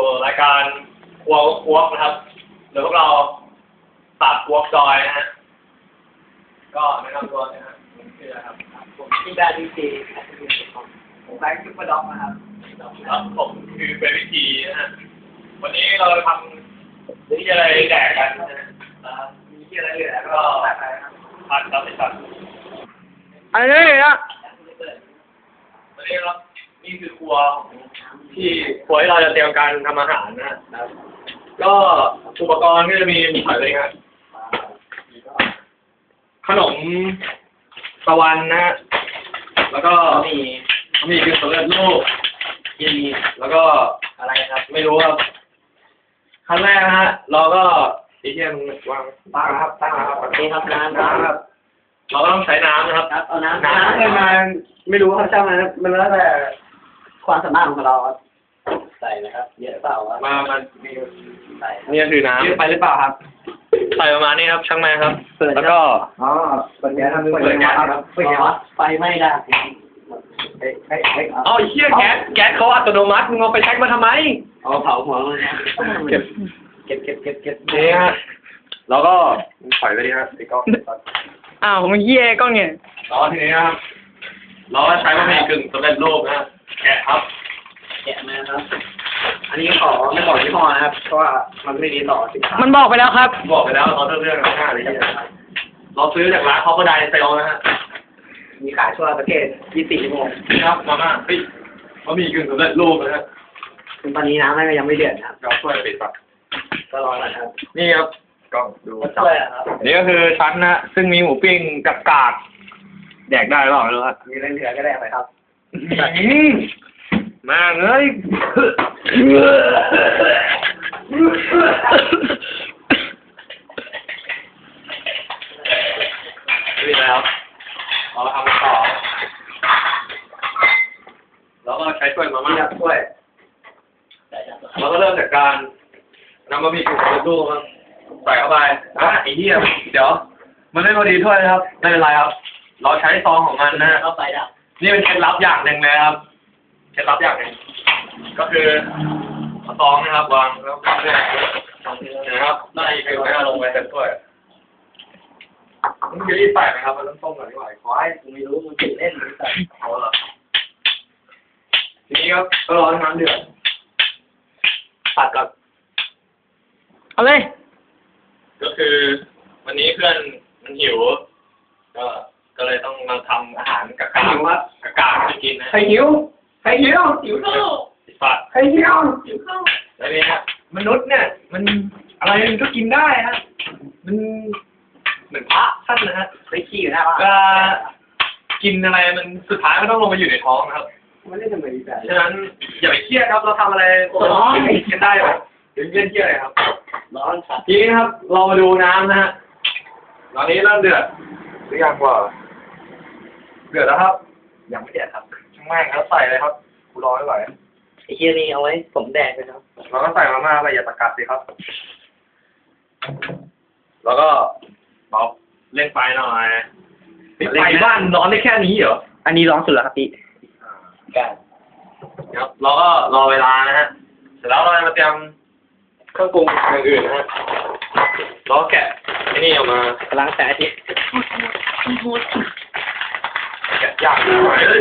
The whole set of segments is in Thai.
รายการครัวครัวนะครับเดี๋ยวพวกเราตัดครัวจอยนะฮะก็แนะนำตัวนะฮะผมชื่ออะไรครับผมชื่อแบร์ดีซีผมแบงค์ซุปเปอร์ด็อกนะครับแล้วผมคือเบบี้ทีนะฮะวันนี้เราทำที่อะไรแดกกันนะฮะมีที่อะไรเหลือก็ผัดตับไปตัดอะไรเนี่ยนะวันนี้ครับนี่คือครัวที่ครัวที่เราจะเตรียมการทำอาหารนะครับก็อุปกรณ์ก็จะมีหอยเลยครับขนมตะวันนะฮะแล้วก็มีคือสำเร็จรูปกินแล้วก็อะไรครับไม่รู้ครับขั้นแรกนะฮะเราก็ที่เที่ยงวางตั้งครับนี่ครับน้ำครับเราก็ต้องใช้น้ำนะครับเอาน้ำเลยมาไม่รู้ครับช่างมันแล้วแต่ความสามารถของเราใส่นะครับเยอะเปล่าครับมันใส่นี่คือน้ำเยอะไปหรือเปล่าครับใส่ประมาณนี้ครับช่างแม่ครับแล้วก็เปิดแก๊สทำเปิดแก๊สครับเปิดแก๊สไฟไม่ได้เอาเชี่ยแก๊สเขาอัตโนมัติมึงเอาไปเช็คมาทำไมเอาเผาหัวเลยนะเก็บนี่ฮะแล้วก็ถอยไปดิฮะไอ้กล้องอ้าวมันเหี้ยกล้องเนี่ยแล้วทีนี้ครับเราก็ใช้บะหมี่กึ่งสำเร็จรูปนะแกะครับแกะนะครับอันนี้ขอไม่บอกยี่ห้อนะครับเพราะว่ามันไม่ดีต่อสินค้ามันบอกไปแล้วครับบอกไปแล้วเราเรื่องง่ายเลยเราซื้อจากร้านเขาก็ได้เซลนะฮะมีขายทั่วประเทศ24 ชั่วโมงครับมาม่าเฮ้ยบะหมี่กึ่งสำเร็จรูปนะฮะตอนนี้น้ำยังไม่เดือดครับเราช่วยปิดปะก็รอนะครับนี่ครับกล้องดูนี่ก็คือชั้นนะซึ่งมีหมูปิ้งกับกากแดกได้หรือเปล่าไม่รู้ครับมีอะไรเหลือก็ได้ไปครับมาเอ้ยนี่แล้วเราทำต่อแล้วก็ใช้ถ้วยมาม่าถ้วยเราก็เริ่มจากการนำบะหมี่กึ่งสำเร็จรูปครับใส่เข้าไปไอ้เหี้ยเดี๋ยวมันไม่พอดีถ้วยนะครับไม่เป็นไรครับเราใช้ซองของมันนะเข้าไปดับนี่เป็นเคล็ดลับอย่างหนึ่งเลยครับเคล็ดลับอย่างหนึ่งก็คือเอาซองนะครับวางแล้วก็เนี่ยนะครับไล่ไปลงไปเต็มถ้วยมันจะรีบใส่ไหมครับมันต้องต้มก่อนดีกว่าขอให้ผมไม่รู้มันติดเล่นหรือเปล่าเอาละทีนี้ครับก็รอให้น้ำเดือดตัดก่อนเอาเลยก็คือวันนี้เพื่อนมันหิวก็เลยต้องมาทำอาหารกับกากให้กินนะใครหิวข้าวสัตว์ใครหิวข้าวแล้วนี่ฮะมนุษย์เนี่ยมันอะไรมันก็กินได้ฮะมันเหมือนพระท่านนะฮะไปขี้อยู่หน้าบ้านก็กินอะไรมันสุดท้ายมันต้องลงมาอยู่ในท้องนะครับมันไม่ทำไมดีแบบฉะนั้นอย่าไปเครียดครับเราทำอะไรกินได้หรอถึงเครียดอะไรครับร้อนครับทีนี้ครับเรามาดูน้ำนะฮะตอนนี้เริ่มเดือดหรือยังกว่าเดือดแล้วครับยังไม่เดือดครับช่างแม่งครับใส่เลยครับกูรอไม่ไหวไอ้เหี้ยนี่เอาไว้ผมแดงเลยครับเราก็ใส่มาม่าไปอย่าตะกัดสิครับแล้วก็เราเล่นไฟหน่อยไฟบ้านร้อนได้แค่นี้เหรออันนี้ร้อนสุดแล้วครับพี่ครับเราก็รอเวลานะฮะเสร็จแล้วเรามาเตรียมเครื่องปรุงอย่างอื่นนะฮะเราแกะไอ้นี่ออกมาล้างแต่อาทิตย์แกะยากหน่อยเลย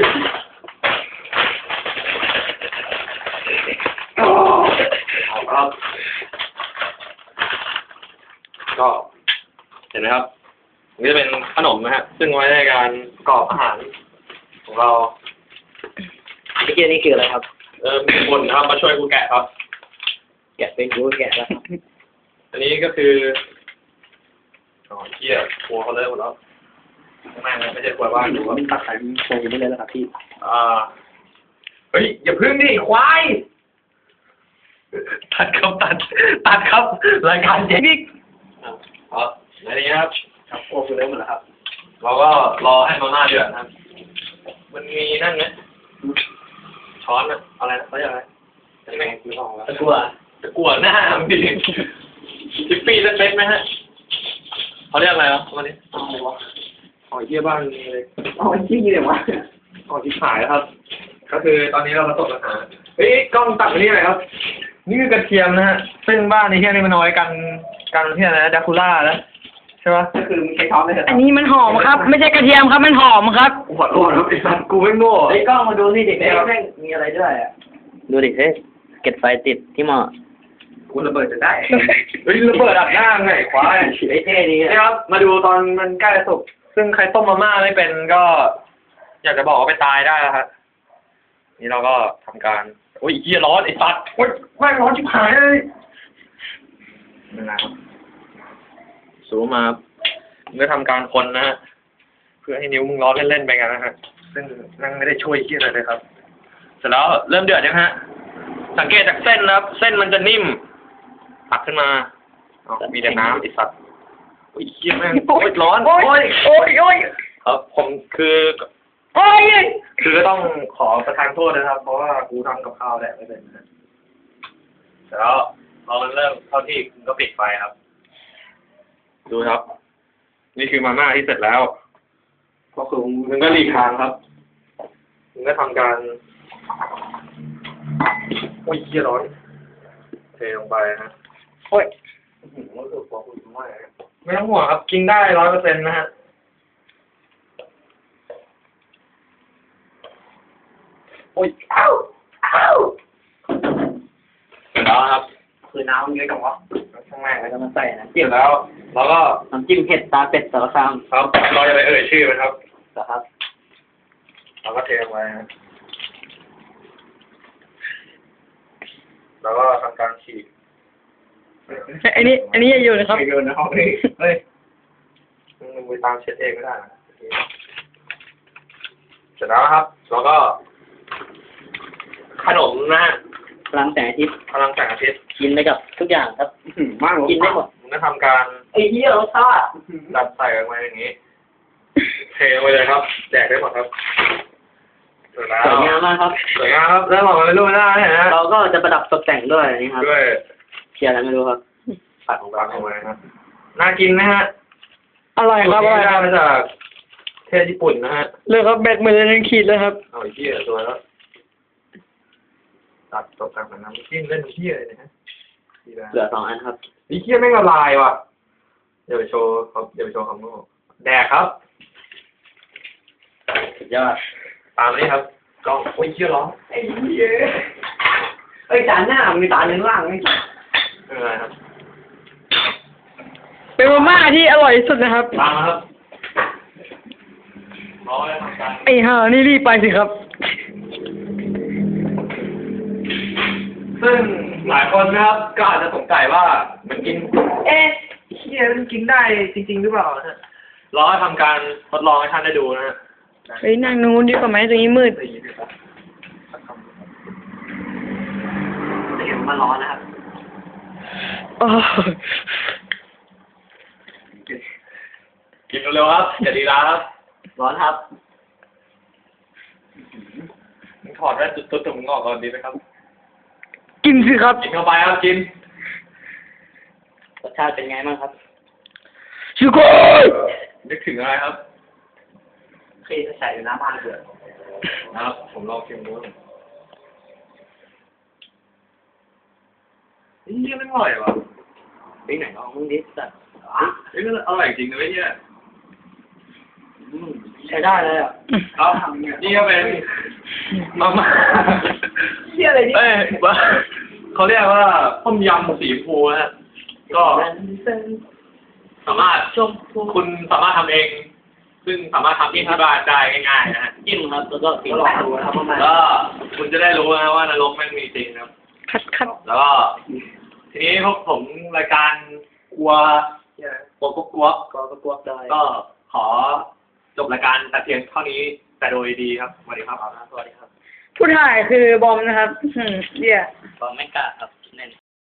เอาครับก็เห็นไหมครับนี่จะเป็นขนมนะฮะซึ่งไว้ในการประกอบอาหารของเราไอ้เหี้ยนี่คืออะไรครับมีคนนะครับมาช่วยกูแกะครับแกะเป็นกูแกะแล้วอันนี้ก็คือเหี้ยครัวเขาเลิกหมดแล้วไม่ใช่ครัวบ้านดูครับตัดสายโชว์ไม่เลยแล้วครับพี่เฮ้ยอย่าพึ่งดิควายตัดครับรายการเจ๊กครับอันนี้ครับครับโอ้คือเลิกหมดแล้วครับเราก็รอให้มาม่าเดือดครับมันมีนั่นไหมช้อนอะไรนะเขาเรียกอะไรไม่คือของแล้วตะกั่วหน้าพี่ทิปปี้เล็กๆไหมฮะเขาเรียกอะไรวะวันนี้หอยเยี่ยบ้านมีเลยหอยที่เลยวะหอยที่ขายครับก็คือตอนนี้เราประสบปัญหาเฮ้ยกล้องตัดไปนี่หน่อยครับนี่คือกระเทียมนะฮะซึ่งบ้านในที่นี่มันเอาไว้กันที่อะไรนะดาคูล่าแล้วใช่ปะก็คือมึงใช้ช้อนได้เหรออันนี้มันหอมครับ ไม่ใช่กระเทียมครับ มันหอมครับกูขอโทษครับไอ้สัตว์กูไม่โง่ไอ้ยกล้องมาดูนี่เด็กแม่งมีอะไรด้วยอ่ะดูดิเฮ้ยเก็บไฟติดที่หม้อกูระเบิดจะได้เฮ้ยระเบิดอัดหน้าไงควายไอ้เท่ดีนี่ครับมาดูตอนมันใกล้จะสุกซึ่งใครต้มมาม่าไม่เป็นก็ อยากจะบอกว่าไปตายได้แล้วครับนี่เราก็ทำการโอ้ยเหี้ยร้อนไอ้สัตว์โอ้ยแม่งร้อนชิบหายเลยนี่นะครับสูมาเมื่อทำการคนนะฮะเพื่อให้นิ้วมึงร้อนเล่นๆไปกันนะฮะซึ่งนั่งไม่ได้ช่วยเหี้ยอะไรเลยครับ เสร็จแล้วเริ่มเดือดยังฮะ สังเกตจากเส้นนะครับ เส้นมันจะนิ่มตักขึ้นมาอ๋อมีแต่น้ำไอ้สัตว์โอ้ยเหี้ยแม่งโอ้ยร้อนโอ้ยโอ้ยโอ้ยครับผมคือโอ้ยคือก็ต้องขอประทานโทษนะครับ เพราะว่ากูทำกับข้าวแดกไม่เป็นนะเสร็จแล้วพอมันเริ่มเข้าที่คุณก็ปิดไฟครับ ดูครับ นี่คือมาม่าที่เสร็จแล้วก็คือมึงก็หลีกทางครับมึงก็ทำการโอ้ยเหี้ยร้อนเทลงไปนะโอ้ยรู้สึกว่าคุณไม่ไม่ต้องห่วงครับ กินได้100%นะฮะโอ้ยอ้าวอ้าวเสร็จแล้วครับคือน้ำเยอะกับวะข้างในแล้วก็มาใส่นะเสร็จแล้วเราก็น้ำจิ้มเผ็ดตาเป็ดสารคามครับเราจะไปเอ่ยชื่อมันครับนะครับเราก็เทลงไปนะแล้วก็ทำการฉีกอันนี้อย่าอยู่นะครับไม่โดนนะห้องนี้เฮ้ยมึงไปตามเช็ดเองไม่ได้นะเสร็จแล้วครับแล้วก็ ขนมนะฮะพลังแสงอาทิตย์พลังแสงอาทิตย์กินได้กับทุกอย่างครับมากกินได้หมดมึงก็ทำการไอ้เหี้ยรสชาติดัดใส่ลงไปอย่างนี้ เทลงไปเลยครับแจกได้หมดครับเสร็จแล้วสวยงามมากครับสวยงามครับแล้วหมดมันเป็นรูปหน้าเนี่ยนะเราก็จะประดับตกแต่งด้วยนี่ครับด้วยเชียร์อะไรไม่รู้ครับผัดของเราลงไปครับน่ากินไหมฮะอร่อยครับอร่อยคได้รับมาจากประเทศญี่ปุ่นนะฮะเลยครับแบตมือเลยขีดเลยครับเอาไอ้เหี้ยตัวแล้วตัดตกแต่งแบบน้ำจิ้มเล่นเหี้ยเลยนะฮะเหลือ2 อันครับไอ้เหี้ยแม่งละลายว่ะเดี๋ยวไปโชว์ครับเดี๋ยวไปโชว์คำโน้แดกครับสุดยอดตามนี้ครับกล้องโอ้ยเหี้ยร้อนไอ้เหี้ยเอ้ยจานหน้ามีจานหนึ่งล่างนี่ไม่เป็นไรครับเป็นมาม่าที่อร่อยที่สุดนะครับตามมาครับรอให้ทำการไอ้ห่านี่รีบไปสิครับซึ่งหลายคนนะครับก็อาจจะสงสัยว่ามันกินเอ๊ะเหี้ยมันกินได้จริงๆหรือเปล่านะรอให้ทำการทดลองให้ท่านได้ดูนะฮะเฮ้ยนั่งนู้นดีกว่าไหมตรงนี้มืดเดี๋ยวมันร้อนนะครับโอ้กินเร็วๆครับอย่าดีร้าครับร้อนครับมึงถอดแว่นตุ๊ดๆแต่มึงออกก่อนดีไหมครับกินสิครับกินเข้าไปครับกินรสชาติเป็นไงบ้างครับสุโกยนึกถึงอะไรครับเคยใส่อยู่น้ำบ้านเดือดนะครับผมลองชิมดูนี่ไม่อร่อยว่ะไปไหนลองมึงดิสัตว์เฮ้ยมันอร่อยจริงนะเว้ยเนี่ยใช้ได้เลยอ่ะครับนี่ก็เป็นมาม่าเหี้ยอะไรนี่เอ้ยเขาเรียกว่าต้มยำสีชมพูนะฮะก็สามารถคุณสามารถทำเอง ซึ่งสามารถทำที่บ้านได้ง่ายๆนะฮะจิ้มครับ แล้วก็กินลองดูนะครับว่ามันก็คุณจะได้รู้นะว่านรกแม่งมีจริงนะครับคัดแล้วก็ทีนี้พวกผมรายการกลัวกลัวกลัวก็กลัวได้ก็ขอจบรายการแต่เพียงเท่านี้แต่โดยดีครับสวัสดีครับสวัสดีครับผู้ถ่ายคือบอมนะครับเหี้ยก็ไม่กล้าครับ